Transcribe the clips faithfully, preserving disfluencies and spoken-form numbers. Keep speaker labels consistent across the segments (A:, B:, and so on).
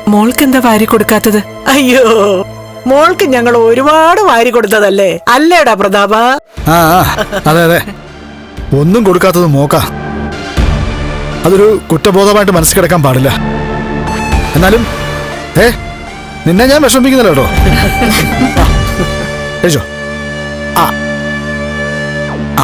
A: മോൾക്ക് എന്താ വാരി കൊടുക്കാത്തത്?
B: അയ്യോ, മോൾക്ക് ഞങ്ങൾ ഒരുപാട് വാരി കൊടുത്തതല്ലേ അല്ലേടാ പ്രതാപ?
C: ആ അതെ അതെ, ഒന്നും കൊടുക്കാത്തത് മോക്ക. അതൊരു കുറ്റബോധമായിട്ട് മനസ്സിൽ കിടക്കാൻ പാടില്ല. എന്നാലും ഏ നിന്നെ ഞാൻ വിഷമിപ്പിക്കുന്നില്ല കേട്ടോ. കഴിച്ചോ. ആ ആ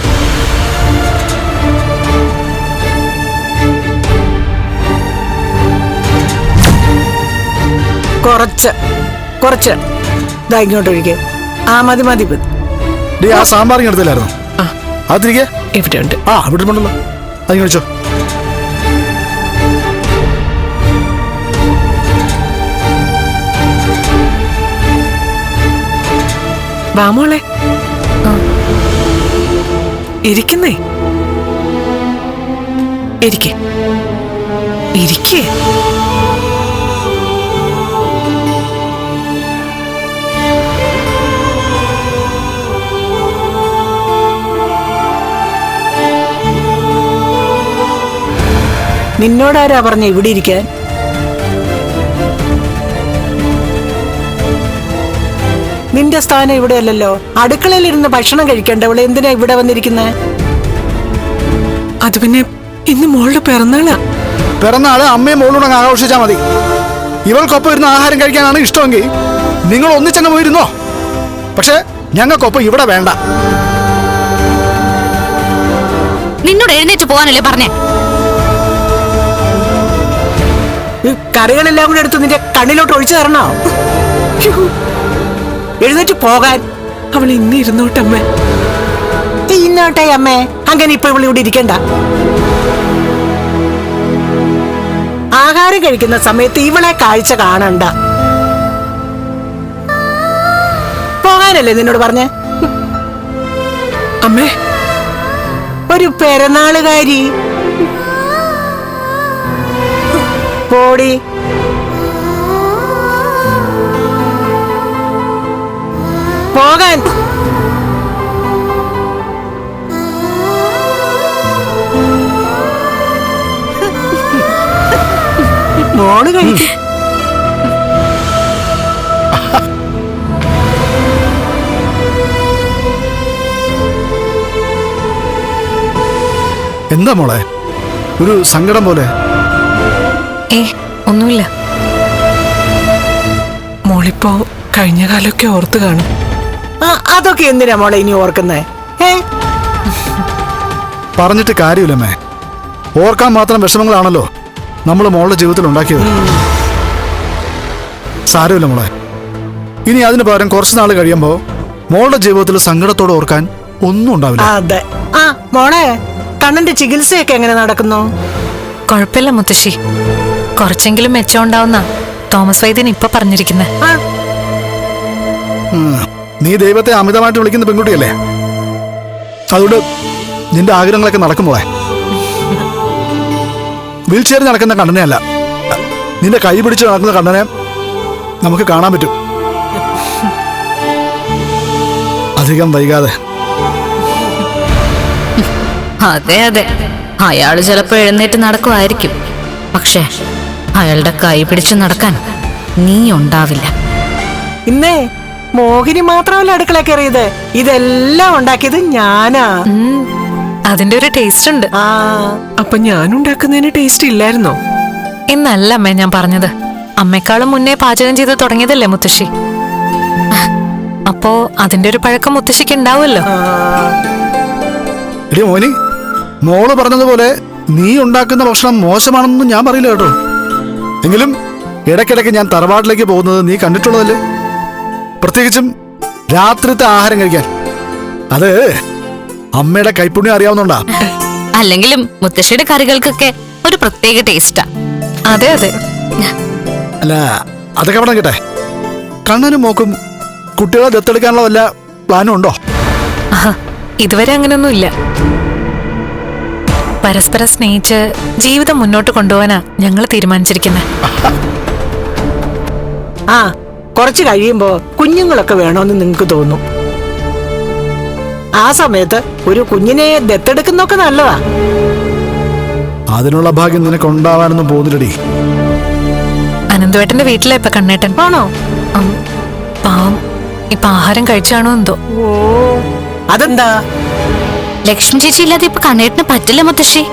B: കുറച്ച് കുറച്ച് ഇതാ ഇങ്ങോട്ട് ഒഴിക്കേ. ആ മതി മതി മതി.
C: ഡി ആ സാമ്പാറിങ് എടുത്തില്ലായിരുന്നു? അത് തിരികെ
A: ഇവിടെ ഉണ്ട്.
C: ആ ഇവിടെ ഉണ്ടല്ലോ, അത് കഴിച്ചോ.
A: വാ മോളെ, ഇരിക്കുന്നേ, ഇരിക്കേ ഇരിക്കേ.
B: നിന്നോടാരാ പറഞ്ഞ ഇവിടെ ഇരിക്കാൻ? നിന്റെ സ്ഥാനം ഇവിടെ അല്ലല്ലോ. അടുക്കളയിലിരുന്ന് ഭക്ഷണം കഴിക്കണ്ട ഇവിടെ എന്തിനാ ഇവിടെ വന്നിരിക്കുന്നേ?
A: അത് പിന്നെ ഇന്ന് മോളുടെ പിറന്നാളാ.
C: പിറന്നാള് അമ്മയും മോളോട് അങ്ങ് ആഘോഷിച്ചാൽ മതി. ഇവൾക്കൊപ്പം ഇരുന്ന് ആഹാരം കഴിക്കാനാണ് ഇഷ്ടമെങ്കിൽ നിങ്ങൾ ഒന്നിച്ചങ്ങ് പോയിരുന്നോ. പക്ഷെ ഞങ്ങൾക്കൊപ്പം ഇവിടെ വേണ്ട.
D: നിന്നോട് എഴുന്നേറ്റ് പോകാനല്ലേ പറഞ്ഞേ?
B: കറികളെല്ലാം കൂടെ എടുത്ത് നിന്റെ കണ്ണിലോട്ട് ഒഴിച്ചു തരണോ? എഴുന്നേറ്റ് പോകാൻ.
A: അവൾ ഇന്ന് ഇരുന്നോട്ടമ്മേ.
B: ഇന്നോട്ടെ അമ്മേ, അങ്ങനെ ഇപ്പൊ ഇവിടെ ഇവിടെ ഇരിക്കണ്ട. ആഹാരം കഴിക്കുന്ന സമയത്ത് ഇവളെ കാഴ്ച കാണണ്ട. പോകാനല്ലേ നിന്നോട് പറഞ്ഞേ?
A: അമ്മേ,
B: ഒരു പിറന്നാളുകാരി പോടി. പോകാൻ. മോള് കഴിക്കും.
C: എന്താ മോളെ ഒരു സങ്കടം പോലെ?
D: ഏ ഒന്നുമില്ല.
A: മോളിപ്പോ കഴിഞ്ഞ കാലമൊക്കെ ഓർത്ത് കാണും.
B: അതൊക്കെ എന്തിനാ മോളെ ഇനി ഓർക്കുന്നേ? ഏ
C: പറഞ്ഞിട്ട് കാര്യമില്ലമ്മേ. ഓർക്കാൻ മാത്രം വിഷമങ്ങളാണല്ലോ നമ്മൾ മോളുടെ ജീവിതത്തിൽ ഉണ്ടാക്കിയത്. സാരമില്ല മോളെ, ഇനി അതിന് പകരം കുറച്ച് നാൾ കഴിയുമ്പോ മോളുടെ ജീവിതത്തിൽ സങ്കടത്തോടെ ഓർക്കാൻ ഒന്നും ഉണ്ടാവില്ല.
B: അതെ. ആ മോളെ, കണ്ണന്റെ ചികിത്സയൊക്കെ എങ്ങനെ നടക്കുന്നു?
D: കുഴപ്പമില്ല മുത്തശ്ശി, കുറച്ചെങ്കിലും മെച്ചം ഉണ്ടാവുന്ന തോമസ് വൈദ്യൻ ഇപ്പൊ പറഞ്ഞിരിക്കുന്നത്.
C: നീ ദൈവത്തെ അമിതമായിട്ട് വിളിക്കുന്ന പെൺകുട്ടിയല്ലേ, അതുകൊണ്ട് നിന്റെ ആഗ്രഹങ്ങളൊക്കെ നടക്കും മോളെ. വീൽ ചെയറിൽ നടക്കുന്ന കണ്ണനെയല്ല, നിന്റെ കൈ പിടിച്ച് നടക്കുന്ന കണ്ണനെ നമുക്ക് കാണാൻ പറ്റും. അധികം വൈകാതെ.
D: അതെ അതെ, അയാള് ചിലപ്പോ എഴുന്നേറ്റ് നടക്കുമായിരിക്കും. പക്ഷേ അയാളുടെ കൈ പിടിച്ചു നടക്കാൻ നീ ഉണ്ടാവില്ല.
B: ഇന്നേ മോഹിനി മാത്രമല്ല അടുക്കള കയറിയത്, ഇതെല്ലാം ഉണ്ടാക്കിയത് ഞാനാ.
D: അതിന്റെ ഒരു ടേസ്റ്റ് ഉണ്ട്.
B: ആ
A: അപ്പൊ ഞാൻ ഉണ്ടാക്കുന്നതിന് ടേസ്റ്റ് ഇല്ലായിരുന്നോ?
D: എന്നല്ല അമ്മേ ഞാൻ പറഞ്ഞത്. അമ്മയെക്കാളും മുന്നേ പാചകം ചെയ്ത് തുടങ്ങിയതല്ലേ മുത്തശ്ശി. അപ്പോ അതിന്റെ ഒരു പഴക്കം മുത്തശ്ശിക്ക് ഉണ്ടാവുമല്ലോ.
C: എടി മോനി, മോള് പറഞ്ഞതുപോലെ നീ ഉണ്ടാക്കുന്ന ഭക്ഷണം മോശമാണെന്നൊന്നും ഞാൻ പറയില്ല കേട്ടോ. എങ്കിലും ഇടയ്ക്കിടയ്ക്ക് ഞാൻ തറവാട്ടിലേക്ക് പോകുന്നത് നീ കണ്ടിട്ടുള്ളതല്ലേ, പ്രത്യേകിച്ചും രാത്രിത്തെ ആഹാരം കഴിക്കാൻ. അത് അമ്മയുടെ കൈപ്പുണ്യം അറിയാവുന്നോണ്ടാ.
D: അല്ലെങ്കിലും മുത്തശ്ശിയുടെ കറികൾക്കൊക്കെ ഒരു പ്രത്യേക ടേസ്റ്റാ. അതെ അതെ.
C: അല്ല അതൊക്കെ അവിടെ കേട്ടെ, കണ്ണനും മോക്കും കുട്ടികളെ ദത്തെടുക്കാനുള്ള വല്ല പ്ലാനും ഉണ്ടോ?
D: ഇതുവരെ അങ്ങനെയൊന്നുമില്ല. പരസ്പരം സ്നേഹിച്ച് ജീവിതം മുന്നോട്ട് കൊണ്ടുപോകാനാ ഞങ്ങൾ തീരുമാനിച്ചിരിക്കുന്നത്.
B: ആ കുറച്ച് കഴിയുമ്പോ കുഞ്ഞുങ്ങളൊക്കെ വേണോന്ന് നിങ്ങക്ക് തോന്നും. ആ സമയത്ത് ഒരു കുഞ്ഞിനെ ദത്തെടുക്കുന്നൊക്കെ നല്ലതാ.
C: അതിനുള്ള ഭാഗ്യം നിനക്ക് ഉണ്ടാവാനൊന്നും പോകുന്നില്ലടി.
D: അനന്ത ബിന്ദുവേട്ടന്റെ വീട്ടിലാ ഇപ്പൊ കണ്ണേട്ടൻ.
B: ആണോ?
D: ഉം, പാവം ഇപ്പൊ ആഹാരം കഴിച്ചാണോ എന്തോ.
B: ഓ, അതെന്താ?
E: ലക്ഷ്മി ചേച്ചി ഇല്ലാതെ ഇപ്പൊ കണ്ണേട്ടിന് പറ്റില്ല മുത്തശ്ശി.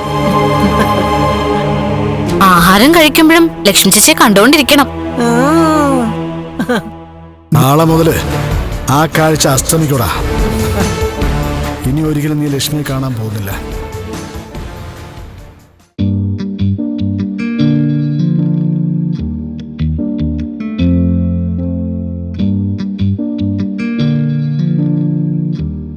E: ആഹാരം കഴിക്കുമ്പോഴും ലക്ഷ്മി ചേച്ചിയെ കണ്ടുകൊണ്ടിരിക്കണം.
B: ഉം.
C: നാളെ മുതല് ആ കാഴ്ച അസ്തമിക്കൂടാ. ഇനി ഒരിക്കലും നീ ലക്ഷ്മിയെ കാണാൻ പോകുന്നില്ല.